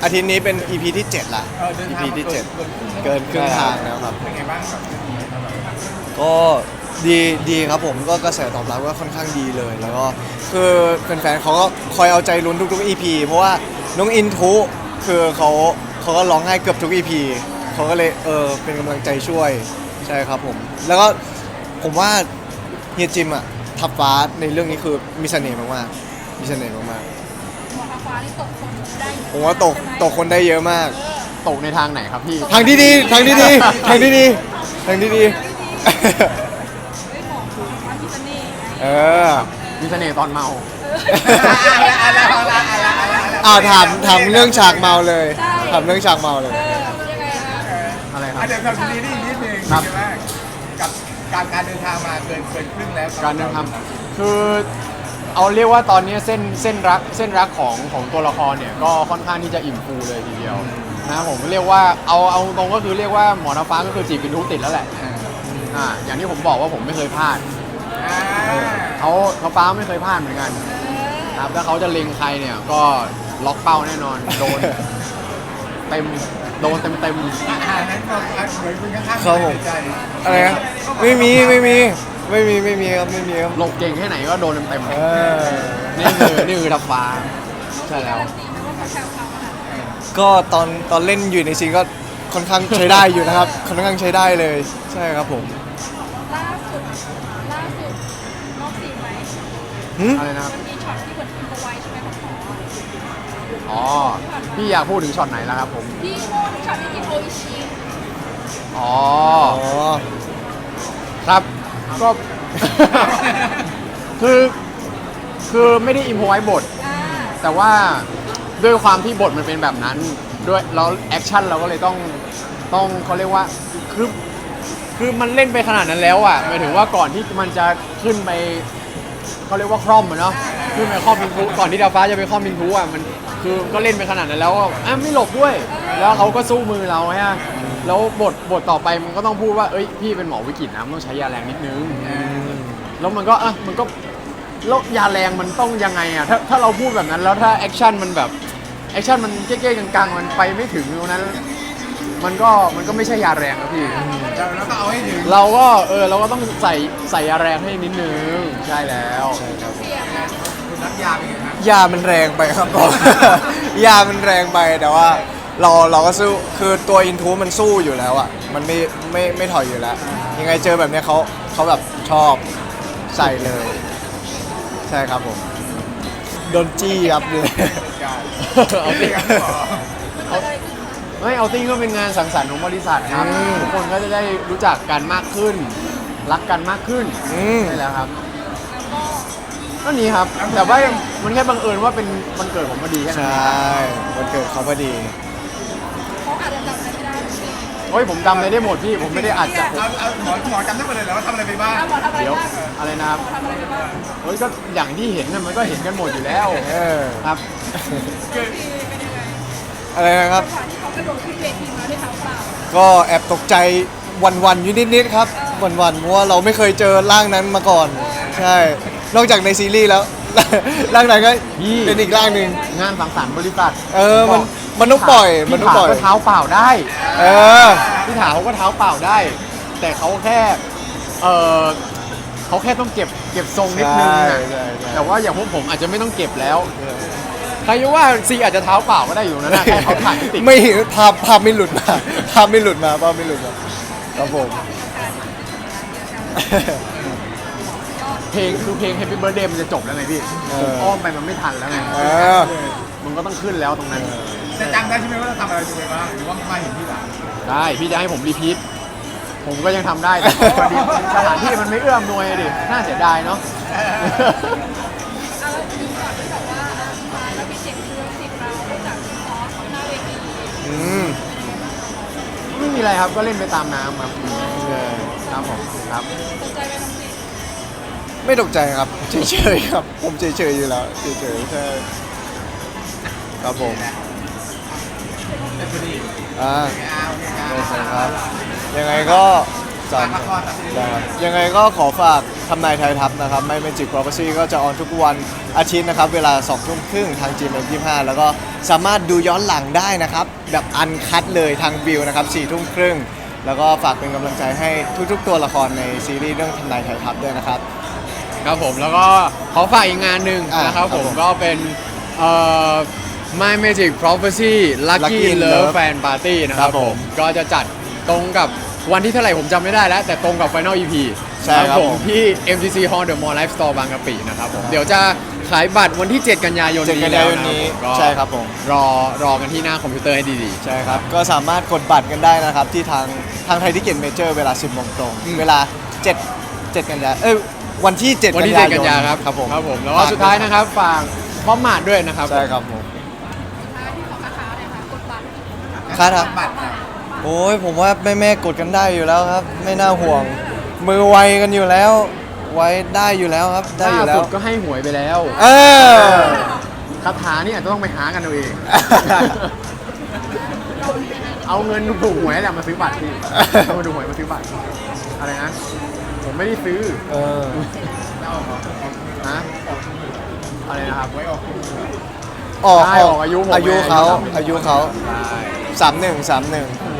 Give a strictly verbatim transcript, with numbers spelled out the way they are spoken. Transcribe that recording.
อาทิตย์นี้เป็น อี พี ที่เจ็ดละเออเดินอีทางพีมาที่เกิเจ็ดนเกินครึ่งเกินครึ่งทางแล้วครับเป็นไงบ้างครับก็ดีดีครับผมก็กระแสตอบรับก็ค่อนข้างดีเลย แล้วก็คือแฟนๆเขาก็คอยเอาใจลุ้นทุกๆ อี พี เพราะว่าน้องอินทุคือเขาเขาก็ร้องไห้เกือบทุก อี พี เขาก็เลยเออเป็นกำลังใจช่วยใช่ครับผมแล้วก็ผมว่าเฮียจิมอะทับฟ้าในเรื่องนี้คือมีเสน่ห์มากๆมีเสน่ห์มากหมอทาฟ้านี่ตกคนได้ๆผมว่าตกตกคนได้เยอะมากตกในทางไหนครับพี่ทางที่ดีทางที่ดีทางที่ดีทางที่ดีเฮ้ยหมอทาฟ้ามีเสน่ห์ไงเออมีเสน่ห์ตอนเมาอ้าวถามถามเรื่องฉากเมาเลยถามเรื่องฉากเมาเลยเออยังไงอะอะไรครับอ่ะเดี๋ยวทำซีรีส์นิดนึงครับใช่ไหมกับการการเดินทางมาเกินเกินครึ่งแล้วการเดินทางคือเอาเรียกว่าตอนนี้เส้นเส้นรักเส้นรักของของตัวละครเนี่ยก็ค่อนข้างที่จะอิ่มฟูเลยทีเดียวนะครับผมเรียกว่าเอาเอาตรงก็คือเรียกว่าหมอน้ำฟ้าก็คือจีบเป็นทุกติดแล้วแหละอ่าอย่างที่ผมบอกว่าผมไม่เคยพลาดอ่าเขาเขาฟ้าไม่เคยพลาดเหมือนกันครับถ้าเขาจะเล็งใครเนี่ยก็ล็อกเป้าแน่นอนโดนเต็มโดนเต็มเต็มอ่านั้นก็อ่ะเหมือนคุณข้างๆครับผมในใจอะไรนะไม่มีไม่มีไม่มีไม่มีครับไม่มีครับหลบเก่งแค่ไหนก็โดนเต็มเต็มเออนี่คือนี่คือทับฟ้าใช่แล้วตีมันว่าเขาแซวเขาขนาดไหนก็ตอนตอนเล่นอยู่ในซีนก็ค่อนข้างใช้ได้อยู่นะครับค่อนข้างใช้ได้เลยใช่ครับผมล่าสุดล่าสุดนอกซีนไหมหึอะไรนะครับมันมีช็อตที่เหมือนอินโฟไว้ใช่ไหมของหมออ๋อพี่อยากพูดถึงช็อตไหนแล้วครับผมพี่โม่ช็อตที่กินโออิชิอ๋ออ๋อครับก็ คือคือไม่ได้อิมพอไว้บทอ่าแต่ว่าด้วยความที่บทมันเป็นแบบนั้นด้วยแล้วแอคชั่นเราก็เลยต้องต้องเขาเรียกว่าคือคือมันเล่นไปขนาดนั้นแล้วอ่ะหมายถึงว่าก่อนที่มันจะขึ้นไปเขาเรียกว่าคร่อมอะเนาะขึ้นไปคร่อมมินทุก่อนที่ดาวฟ้าจะไปคร่อมมินทุอ่ะมันคือก็เล่นไปขนาดนั้นแล้วอ่ะอ่ะไม่หลบด้วย แล้วเขาก็สู้มือเราฮะแล้วบทบทต่อไปมันก็ต้องพูดว่าเอ้ยพี่เป็นหมอวิกฤตนะมันต้องใช้ยาแรงนิดนึงแล้วมันก็อ่ะมันก็แล้วยาแรงมันต้องยังไงอ่ะถ้าถ้าเราพูดแบบนั้นแล้วถ้าแอคชั่นมันแบบแอคชั่นมันเก๊ๆกังๆมันไปไม่ถึงตรงนั้น มันก็มันก็ไม่ใช่ยาแรงครับพี่เราเราต้องเอาให้ถึงเราก็เออเราก็ต้องใส่ใส่ยาแรงให้นิดนึงใช่แล้วใช่ครับผมเสียงนะคุณรับยาไปไงครับยามันแรงไปครับ ผม ยามันแรงไปแต่ว่าเราเราก็สู้คือตัวอินทูมันสู้อยู่แล้วอ่ะมันไม่ไม่ไม่ถอยอยู่แล้ว ยังไงเจอแบบเนี้ยเขาเขาแบบชอบใส่เลย ใช่ครับผมโดนจี้ครับเลยเอาจริติ้งงครับหมอมันเกิดอะไรขึ้นคะไม่เอาติ้งก็เป็นงานสังสรรค์ของบริษัทครับทุกคนก็จะได้รู้จักกันมากขึ้น รักกันมากขึ้นอืมใช่แล้วครับแล้วก็ก็นี้ครับ แต่ว่ามันแค่บังเอิญว่าเป็นวันเกิดผมพอดีแค่นั้นใช่วันเกิดเขาพอดีเขาอาจจะจำอะไรไม่ได้จริงโอ้ยผมจำอะไรได้หมดพี่ผมไม่ได้อัดจากเอาเอาหมอหมอจำได้หมดเลยเหรอว่าทำอะไรไปบ้างๆแล้วหมอทำอะไรเดี๋ยวบ้างอะไรนะครับหมอทำอะไรไปบ้างโอ้ยก็อย่างที่เห็นน่ะมันก็เห็นกันหมดอยู่แล้วเออครับคือคือเป็นยังไงอะไรนะครับจังหวะที่เขากระโดดขึ้นเวทีมาด้วยเท้าเปล่าก็แอบตกใจวันๆอยู่นิดๆครับวันๆเพราะว่าเราไม่เคยเจอร่างนั้นมาก่อน ใช่ นอกจากในซีรีส์แล้ว ร่างนั้นก็พี่เป็นอีกร่างหนึ่งงานสังสรรค์บริษัทเออมันมันต้องปล่อยมันต้องปล่อยพี่ถาก็เท้าเปล่าได้เออพี่ถาเขาก็เท้าเปล่าได้ แต่เขาแค่เออเขาแค่ต้องเก็บเก็บทรงนิดนึงใช่นะใช่ใช่แต่ว่าอย่างพวกผมอาจจะไม่ต้องเก็บแล้วใครจะว่าซีอาจจะเท้าเปล่าก็ได้อยู่นะแค่เขาถ่ายไม่ติดไม่ภาพภาพไม่หลุดมาภาพไม่หลุดมาภาพไม่หลุดมาครับผมเพลงคือเพลง Happy Birthday มันจะจบแล้วไงพี่เออผมอ้อมไปมันไม่ทันแล้วไงเออมันก็ต้องขึ้นแล้วตรงนั้นจะจำได้ใช่ไหมว่าเราทำอะไรไปบ้างหรือว่ามาเห็นที่หลังได้พี่จะให้ผมรีพีทผมก็ยังทำได้แต่พอดีสถานที่มันไม่เอื้อมหน่วยดิน่าเสียดายเนาะเอาแล้วทีก่อนที่แบบว่าอ่ะมาแล้วมีเสียงเรือเสียงเราจากคอร์สหน้าเวทีอืมไม่มีอะไรครับก็เล่นไปตามน้ำครับครับผมครับสนใจไปทำสิไม่ตกใจครับเฉยๆครับ ผมเฉยๆอยู่แล้วเฉยๆใช่ครับผมเป็นพอดีอ่าเอาโอเคครับโอเคครับ ยังไงก็สซ้อมละครแบบนี้ได้ครับยังไงก็ขอฝากทำนายไทยทัพนะครับไม่ Magic Prophecy ก็จะออนทุกวันอาทิตย์นะครับ เวลาสองทุ่มครึ่งทาง จี เอ็ม ยี่สิบห้า แล้วก็สามารถดูย้อนหลังได้นะครับ แบบอันคัดเลยทางวิวนะครับสี่ทุ่มครึ่งแล้วก็ฝากเป็นกำลังใจให้ทุกๆ ตัวละครในซีรีส์เรื่องทำนายไทยทัพด้วยนะครับครับผมแล้วก็ขอฝากอีกงานหนึ่งอ่ะนะครับครับผมผมก็เป็นเอ่อ My Magic Prophecy Lucky Lucky in Love Love Fan Party นะครับครับผผม มก็จะจัดตรงกับวันที่เท่าไหร่ผมจำไม่ได้แล้ว แต่ตรงกับ Final อี พีใช่ครับผมผมที่ เอ็ม ที ซี Hall The Mall Life Store บางกะปินะครับผมเดี๋ยวจะขายบัตรวันที่ เจ็ด กันยายนเจ็ดนี้กันแล้ยายว นนะนี้ผมก็ใช่ครับผมรอรอกันที่หน้าคอมพิวเตอร์ให้ดีใช่ครับ ก็สามารถกดบัตรกันได้นะครับ ที่ทางทางไทยทิเก็ตเมเจอร์เวลา สิบโมงตรงอืมเวลา7 7กันยาเอ้ยวันที่ 7 ๆ วันที่กันเจ็ดยายนกันยาครับครับผมครับผมแล้วก็สุดท้ายนะครับฝากพร้อมมาดด้วยนะครับใช่ครับผมท้ายที่ของราคาเลยค่ะกดบัตรค่าทับบัตรนะโอ้ยผมว่าแม่แม่ๆกดกันได้อยู่แล้วครับ ไม่น่าห่วง มือไวกันอยู่แล้ว ไว้ได้อยู่แล้วครับ ได้อยู่แล้ล่าสุวดก็ให้หวยไปแล้วเออคาถานี่อาจจะต้องไปหากันเอาเอง เอาเงินถูกหวยแหละมาซื้อบัตรพี่เอามาดูหวยมาซื้อบัตร อะไรนะ ผมไม่ได้ซื้อเออฮะอะไรนะครับไว้ออกออกใช่ออกอายุผมอายุเขาไงอายุเขาใช่สามหนึ่งสามหนึ่งอื